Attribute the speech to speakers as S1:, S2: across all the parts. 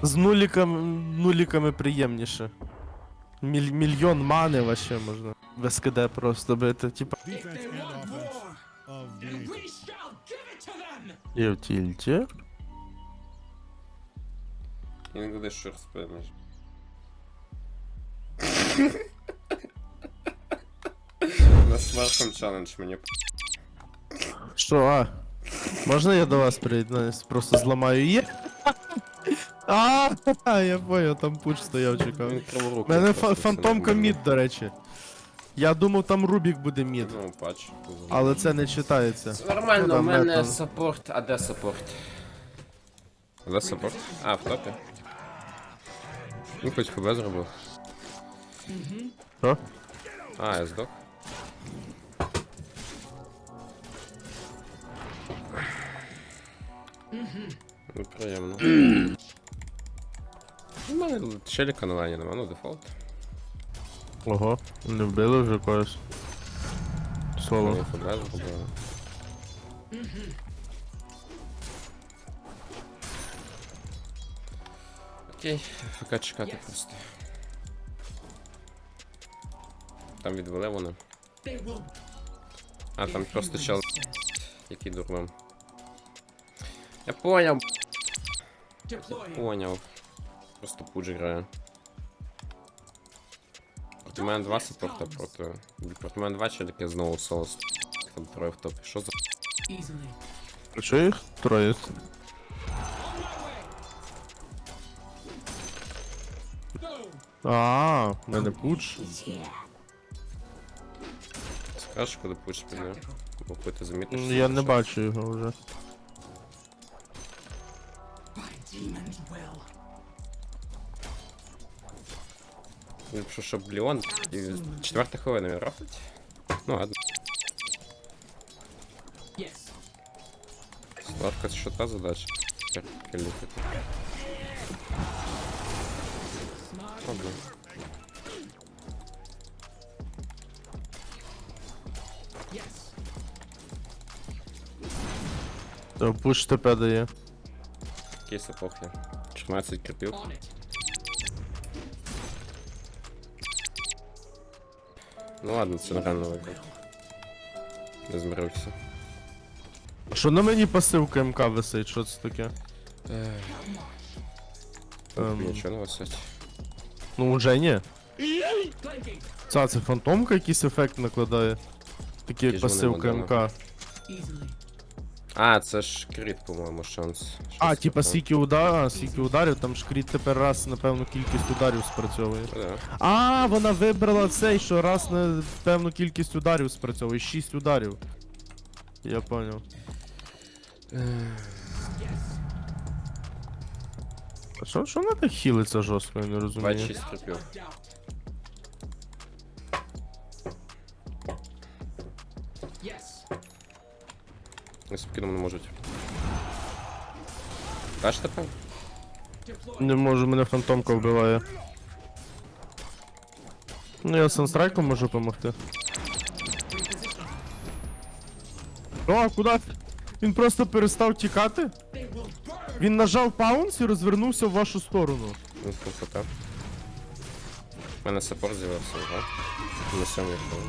S1: З нуліками приємніше. Мільйон мани вообще можна. Без КД просто бити, типа.
S2: Defense and offense of the
S1: І в тільті.
S3: Інколи що розпинеш. На смартфон челендж мені.
S1: Що, можна я до вас приєднаюсь? Просто зламаю її? Я понял, там пуч стояв, чекав.
S3: Він криворукий.
S1: У мене
S3: просто,
S1: фантомка
S3: це не
S1: мід, до речі. Я думав, там Рубік буде мід,
S3: Ну, патч.
S1: але це не читається.
S3: Це нормально,
S1: Ну,
S3: у мене
S1: метал.
S3: саппорт, а де саппорт? Де саппорт? А, в топі. Ну, хоч ФБ зробив.
S1: Що?
S3: А, я здох. Ну, приємно. У мене челіка на лайні нема, ну дефолт.
S1: Ого, не вбили вже когось.
S3: Вони
S1: Соло.
S3: ФБ зробили. Окей, ФК чекати просто. Там відвели вони. А, там просто чел, який дурним. Я поняв. Поняв. Просто пудж грає. Проти мене два саппорта проти мене два челіки знову соло. Там троє в топі. Що за...
S1: Що їх? Троє. В мене пуч.
S3: Скажеш, коли пудж піде? Бо коли ти замітиш...
S1: Я не бачу його вже.
S3: Якщо щоб Леон і четверта хвилина він рафтить. Ну ладно. Сладка, це що та задача? Кіліпити. Ладно.
S1: То пуч ТП дає.
S3: Кейс епохи. 14 кріпів. Ну ладно, це реально виграв. Не змирився.
S1: А що на мені пасивка МК висить? Що це таке?
S3: Нічого не висить.
S1: Ну уже ні. Це фантомка якийсь ефект накладає. Такий як
S3: Які ж вони
S1: пасивка
S3: модели?
S1: МК.
S3: А, це ж кріт, по-моєму, шанс. Щось
S1: Типа
S3: таке.
S1: скільки ударів, там шкріт тепер раз, напевно, кількість ударів спрацьовує.
S3: Да.
S1: Вона вибрала цей, що раз на певну кількість ударів спрацьовує, 6 ударів. Я понял. А що вона так хілиться жорстко, я не розумію.
S3: 26 кріпів. Не спокійно не можуть. Даш тепер?
S1: Не можу, мене фантомка вбиває. Ну я санстрайком можу допомогти. Куди? Він просто перестав тікати? Він нажав паунс і розвернувся в вашу сторону.
S3: Ну, ФК. У мене саппорт з'явився, так? На 7 хвилину.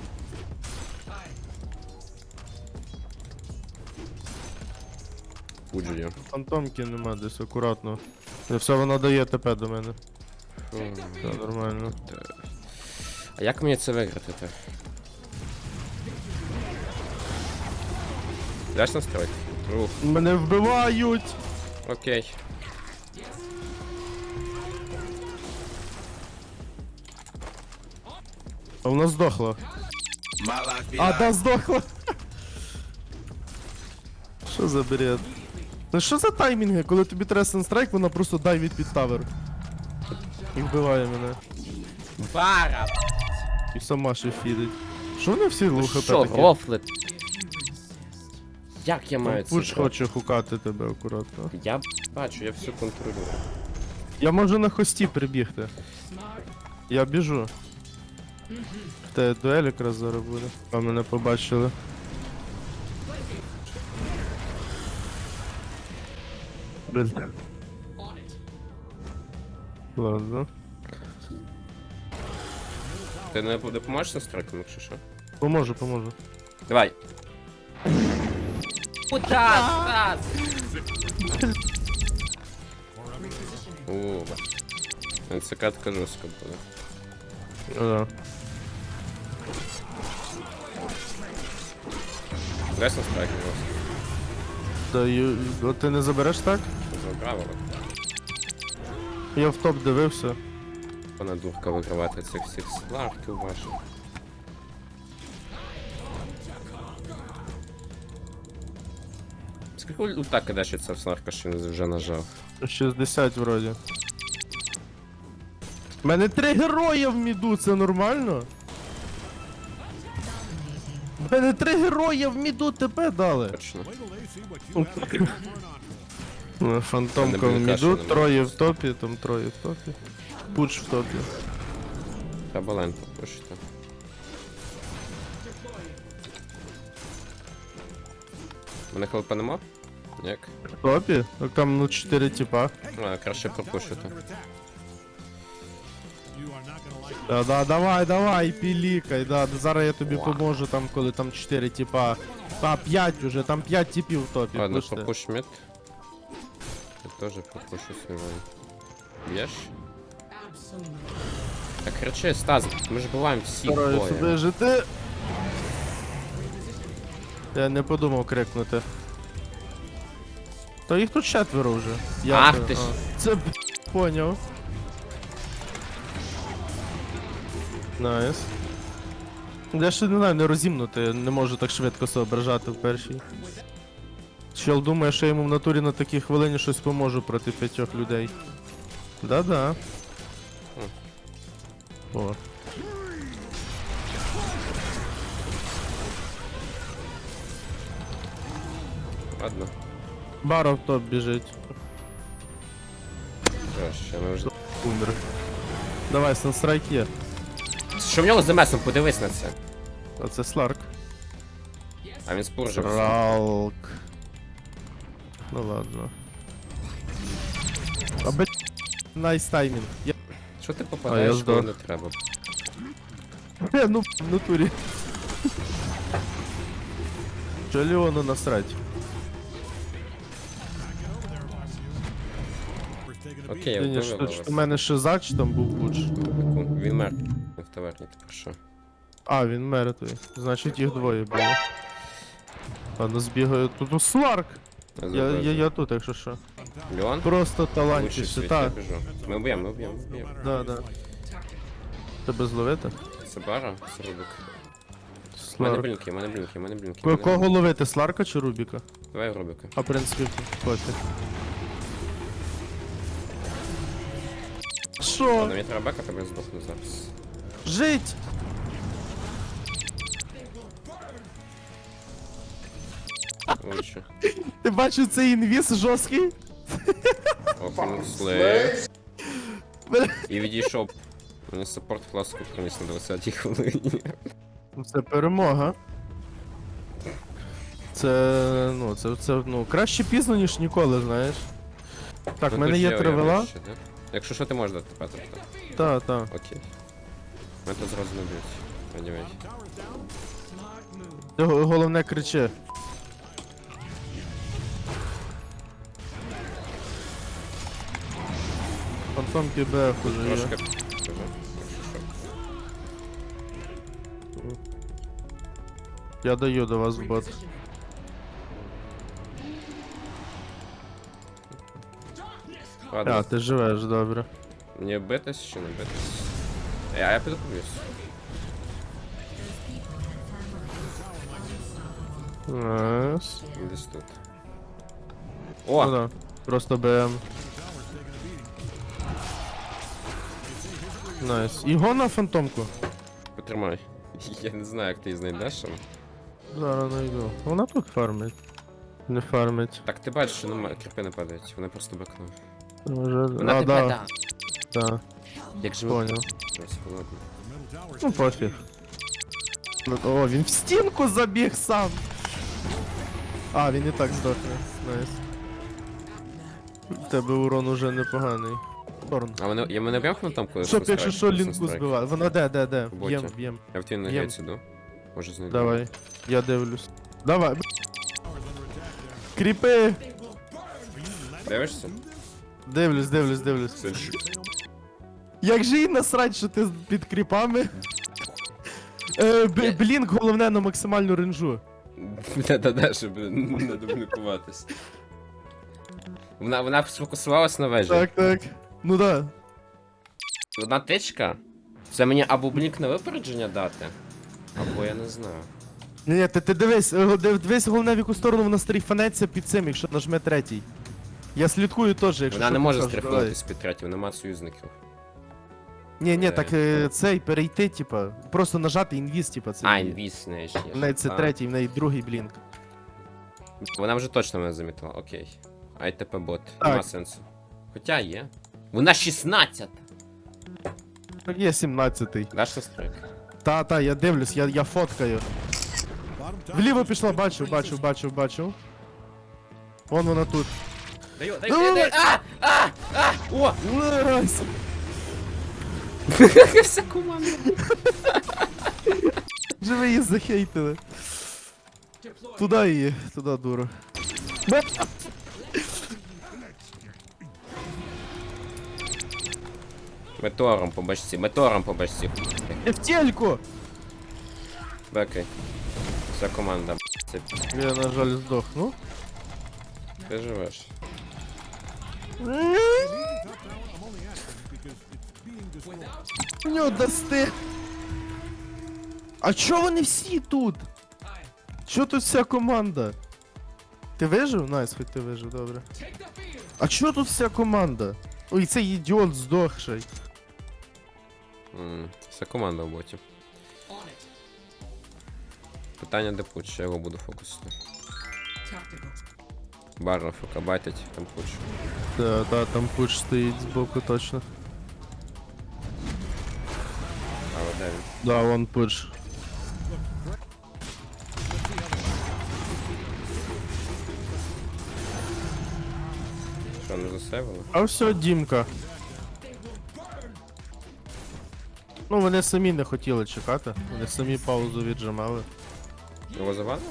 S3: Пуджі.
S1: Фантомки нема десь, акуратно. Все, вона дає ТП до мене. Все нормально.
S3: А як мені це виграти? Даш настройки? Ух,
S1: Мене вбивають!
S3: окей.
S1: А вона здохла. Да, здохла. Що за бред? Ну що за таймінги, коли тобі треба санстрайк, вона просто дайвить під тавер. І вбиває мене.
S3: Бара!
S1: І сама ще фідить. Що вони всі лухи
S3: Що,
S1: такі?
S3: рофлит? Як я маю це
S1: Пуч
S3: грати?
S1: хоче хукати тебе акуратно.
S3: Я бачу, я все контролюю.
S1: Я можу на хості прибігти. Я біжу. В тебе дуель якраз зараз буде. А мене побачили. Блін. Ладно.
S3: Ти не допоможеш з настройками, якщо що?
S1: Поможу.
S3: Давай. Стас! О, це катка жорстка буде.
S1: Да.
S3: Дай настройки жорстко.
S1: Да, ти не забереш так?
S3: Забрав, але
S1: Я в топ дивився.
S3: вона дурка вигравати цих всіх сларків ваших. Скільки ульта кидаєш це в сларка, що він вже нажав?
S1: 60 вроді. У мене 3 герої в міду, це нормально? У мене 3 герої в міду тебе дали.
S3: Точно.
S1: Фантомка в
S3: Мене
S1: міду,
S3: блінкаша
S1: троє в топі, там троє в топі. Пуч в топі.
S3: Треба лайн попушити. Мене хлопа нема? Як?
S1: В топі? Так там ну 4 типа.
S3: А, краще пропушити.
S1: Давай, пілікай, зараз я тобі поможу там, коли там 4 типа. 5 уже, там 5 типів в топі.
S3: Ладно,
S1: пуште.
S3: пропуш мид. Я тоже пропушу свой лайн. Б'єш? Так кричи, Стас, ми ж буваємо всі
S1: Стараюсь
S3: двоє.
S1: вижити. Я не подумав крикнути. То їх тут 4 вже.
S3: Ах
S1: це-
S3: ти ж.
S1: Це поняв. Найс. Я ще не знаю, не розімнути, не можу так швидко соображати в першій. Чел думає, що я йому в натурі на такій хвилині щось поможу проти 5 людей. Да-да. О.
S3: Ладно.
S1: Бара в топ біжить.
S3: Краще, ми вже...
S1: Умер. Давай, санстрайк є.
S3: Що в нього з демесом? Подивись на це.
S1: А це Сларк.
S3: А він спуржив.
S1: Ралк. Ну ладно. А б... Найс таймінг.
S3: Що ти
S1: А,
S3: попадаєш,
S1: я
S3: коли
S1: здох.
S3: не треба?
S1: Ну, в натурі. Що Леону насрать?
S3: Окей, я
S1: Ні,
S3: вбив
S1: що в мене шиза чи там був пуч?
S3: Він мер. В таверні, тепер що?
S1: А, він мертвий. Значить їх двоє було. Ладно, збігаю. Тут Сларк! Я тут, якщо що.
S3: Леон?
S1: Просто
S3: Лучший в
S1: талантіше,
S3: світі, я
S1: так.
S3: біжу. Ми вб'ємо.
S1: Да. Тебе зловити?
S3: Це бара, це Рубик. У мене
S1: Сларк.
S3: блінки.
S1: Кого ловити, Сларка чи Рубіка?
S3: Давай Рубика.
S1: А в принципі, пофіг. Що?
S3: Ладно, мені треба бека, тебе здохну зараз.
S1: Жить!
S3: Лучше.
S1: Ти бачив цей інвіз жорсткий?
S3: Опен слей. І відійшов. Мені саппорт фласку приніс на 20-й хвилині.
S1: Це перемога. Це, краще пізно, ніж ніколи, знаєш. Так, в
S3: Ну,
S1: мене
S3: тут
S1: є
S3: я
S1: 3 вела.
S3: ще, да? Якщо що, ти можеш дати петр, так?
S1: Та.
S3: Окей. Мене тут зразу не б'ють. Anyway.
S1: Ти головне кричи. Фантом ПБФ уже є.
S3: Трошки скажу, якщо що.
S1: Я даю до вас в бот. А,
S3: Ладно,
S1: ти живеш, добре.
S3: мені битись чи не битись? Я піду поб'юсь.
S1: Найс.
S3: Десь тут.
S1: Ну
S3: О!
S1: да, просто БМ. Найс. Його на фантомку.
S3: Потримай. Я не знаю, як ти її знайдеш. але-
S1: Зараз найду. Вона тут фармить. Не фармить.
S3: Так, ти бачиш, що немає, кріпи не падають, вони просто бекнули.
S1: Може... А, да. Да,
S3: Як же ми...
S1: понял.
S3: Ось, холодно.
S1: Ну пофіг. О, він в стінку забіг сам. А, він і так здохне. Найс. В тебе урон уже непоганий. Торн.
S3: А мене б'єм там коли
S1: Щоб, якщо що, лінку
S3: збиває.
S1: збивати. Вона де?
S3: В боті.
S1: Б'єм, б'єм.
S3: Я в твій
S1: Б'єм.
S3: негець іду. Може знайду.
S1: Давай. Я дивлюсь. Давай. Кріпи!
S3: Дивишся?
S1: Дивлюсь. Як же їй насрать, що ти під кріпами? Блінк головне на максимальну ренжу.
S3: Да, щоб не дублікуватись. Вона сфокусувалась на вежі.
S1: Так. Ну да.
S3: Одна тичка? Це мені або блінк на випередження дати, або я не знаю.
S1: Ні, ти дивись головне в яку сторону вона стріфанеться під цим, якщо нажме третій. Я слідкую теж, якщо
S3: Вона
S1: що,
S3: не може
S1: покажу,
S3: стріфнутись під третім, нема союзників.
S1: давай. Ні, так цей перейти, типа, просто нажати інвіз, типа, це.
S3: А, інвіз не ще.
S1: В неї це третій, в неї другий блінк.
S3: Вона вже точно мене замітила, окей. АйТП бот,
S1: Так.
S3: нема сенсу. Хоча є. Вона 16!
S1: Є 17-й.
S3: Даш на стрик?
S1: Та, я дивлюсь, я фоткаю.
S2: Bottom tower.
S1: Вліво пішла, бачу. Вон вона тут.
S3: Даю.
S1: Давай!
S3: О!
S1: Раз!
S3: Вся команда.
S1: Вже ви її захейтили. Туди її, туди дуру.
S3: Метеором по башці.
S1: Я в тельку!
S3: Бекай. Вся команда, це
S1: Я, на жаль, здохну.
S3: ти живеш.
S1: У нього дасти. А чо вони всі тут? Чо тут вся команда? Ти вижив? Найс, хоч ти вижив, добре. А чо тут вся команда? Ой, цей ідіот здохший.
S3: Вся команда в боті. Питання де пуч, я його буду фокусити. Барна фока байтить, там пуч.
S1: Та, там пуч стоїть збоку точно.
S3: А де він?
S1: Да, вон пуч.
S3: Що, не засейвили?
S1: А все, Дімка. Ну, вони самі не хотіли чекати. Вони самі паузу віджимали.
S3: Його завадили?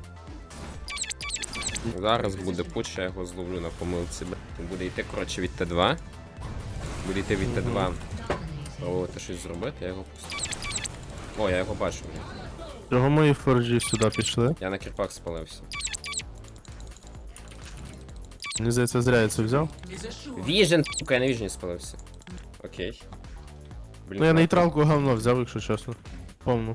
S3: Зараз буде пуч, я його зловлю на помилці. Буде йти, коротше, від Т2. Буде йти від Т2. Пробувати щось зробити, я його пустив. О, я його бачу.
S1: Чого мої форджі сюди пішли?
S3: Я на кірпак спалився.
S1: Мені здається, зря я це взяв.
S3: Віжен, сука, я на віжені спалився. Окей. Блін,
S1: Ну я нейтралку говно взяв, якщо чесно. Повну.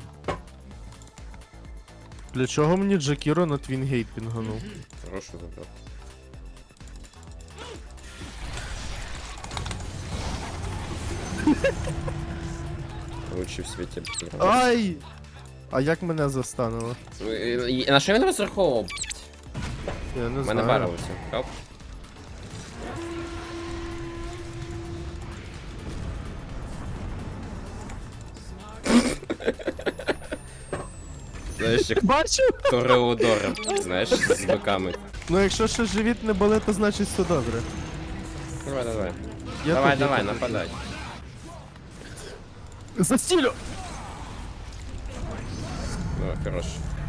S1: Для чого мені Джакіро на Твінгейт пінганув?
S3: Хорошу забрав. Лучший в світі.
S1: Ай! А як мене застанило?
S3: На що він розраховував?
S1: Я не
S3: У мене
S1: знаю.
S3: барилося. Хоп. Знаєш, як
S1: Бачив?
S3: Тореодора, знаєш, з биками.
S1: Ну якщо ще живіт не болить, то значить все добре.
S3: Давай.
S1: Я
S3: Давай,
S1: тут, я тут.
S3: нападай.
S1: Застілю!
S3: Ну, хорош.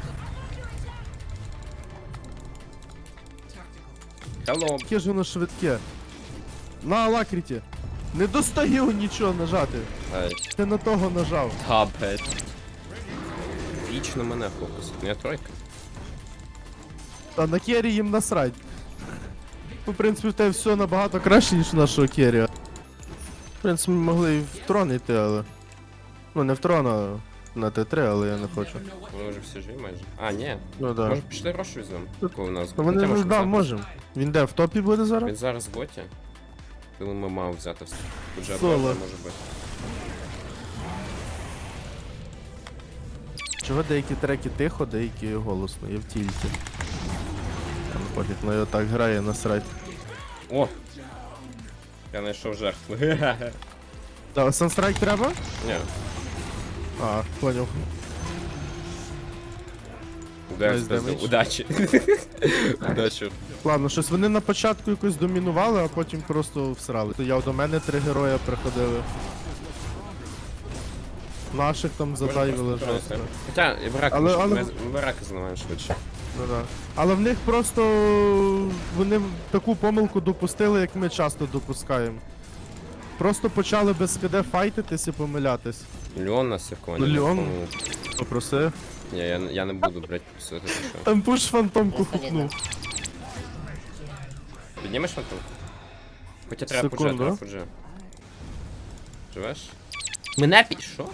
S3: Hello.
S1: Яке ж воно швидке. На алакріті. Не достаю нічого нажати.
S3: Ай,
S1: Ти на того нажав.
S3: тапет. Вічно мене фокус. Ну, я тройка.
S1: А на кері їм насрать. Ну, в принципі, в тебе все набагато краще, ніж у нашого кері. В принципі, ми могли і в трон йти, але. Ну, не в трон, а на Т3, але я не хочу.
S3: Вони вже всі живі майже. А, ні.
S1: Ну да.
S3: Може пішли Рошу візьмемо, коли у нас
S1: Ну,
S3: буде.
S1: вони
S3: Хоча, може,
S1: да,
S3: взяти.
S1: можемо. Він де в топі буде зараз?
S3: Він зараз в боті. Думаю, ми маємо взяти все. Тут же
S1: Соло.
S3: може бути.
S1: Чого деякі треки тихо, деякі голосно, я в тільті. Там пофіг, ну його так грає насрать.
S3: О! Я знайшов жертву.
S1: Да, санстрайк треба?
S3: Ні.
S1: А, поняв.
S3: Удар
S1: Nice
S3: спиздив.
S1: damage.
S3: Удачі. Удачі.
S1: Ладно, щось вони на початку якось домінували, а потім просто всрали. То я до мене 3 героя приходили. Наших там задайвили жорстко.
S3: Хоча і бараки,
S1: Але-
S3: ми бараки зламаємо швидше.
S1: Ну, да. Але в них просто вони таку помилку допустили, як ми часто допускаємо. Просто почали без КД файтитись і помилятись.
S3: Леон нас якого
S1: Ну, Леон. Попроси.
S3: Ні, я не буду, блядь, писати, що.
S1: Там пуш фантомку хукнув.
S3: Піднімеш фантом? Хоча треба
S1: Секунду.
S3: пуджа, треба пуджа. Живеш? Мене що?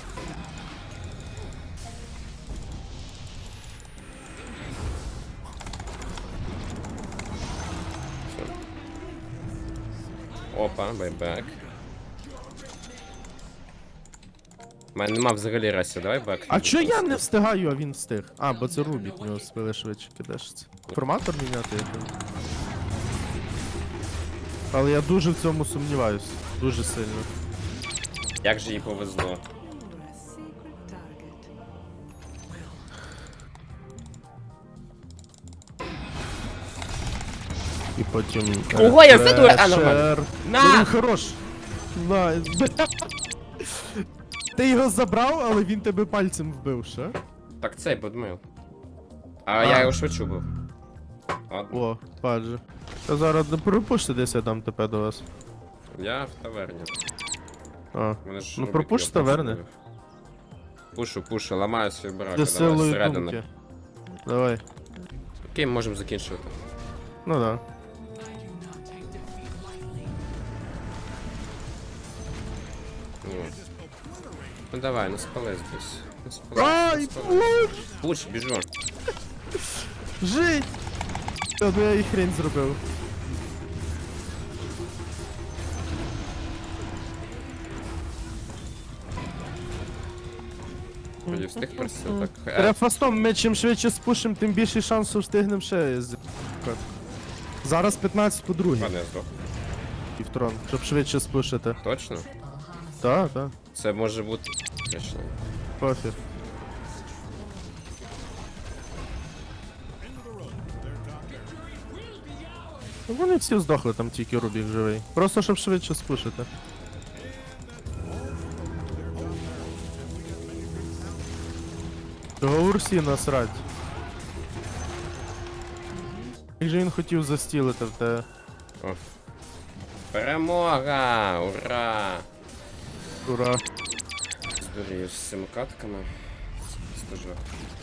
S3: Опа, байбек. У мене нема взагалі ресі, давай бек.
S1: А чо я не встигаю, а він встиг? А, бо це Рубік, в нього спили швидше кидешиться. Форматор міняти який? Але я дуже в цьому сумніваюсь. Дуже сильно.
S3: Як же їй повезло.
S1: І потім.
S3: Ого, я вбив дуель! А, нормально. На!
S1: Він хорош! На! Ти його забрав, але він тебе пальцем вбив ще.
S3: Так цей подмив. А я його швидше бив. Ладно.
S1: О, падже. Та зараз не пропушти десь я дам ТП до вас.
S3: Я в таверні.
S1: А.
S3: Мене ж
S1: Ну,
S3: Рубік
S1: пропуш
S3: його
S1: з таверни.
S3: просто вбив. Пушу, ламаю свій барак,
S1: Зі
S3: давай
S1: силою
S3: зсередини.
S1: думки. Давай.
S3: Окей, можемо закінчувати.
S1: Ну да.
S3: Ну давай, ну спали здесь. Ну спали.
S1: Ай,
S3: ну, спали. Пуш, біжу.
S1: Жить! Та ну я і хрень зробив.
S3: Вроді встиг просто так.
S1: Треба фастом, ми чим швидше спушимо, тим більше шансу встигнемо ще з. Зараз 15 по другій.
S3: Ладно, я здох.
S1: Півтрон, щоб швидше спушити.
S3: Точно?
S1: Так, так,
S3: Це може бути. Точно.
S1: пофіг. Ну, вони всі здохли, там тільки Рубік живий. Просто щоб швидше спушити. Того Урсі насрать. Як же він хотів застілити в те.
S3: О. Перемога! Ура!
S1: Ура.
S3: Здурію з цими катками. Стажок.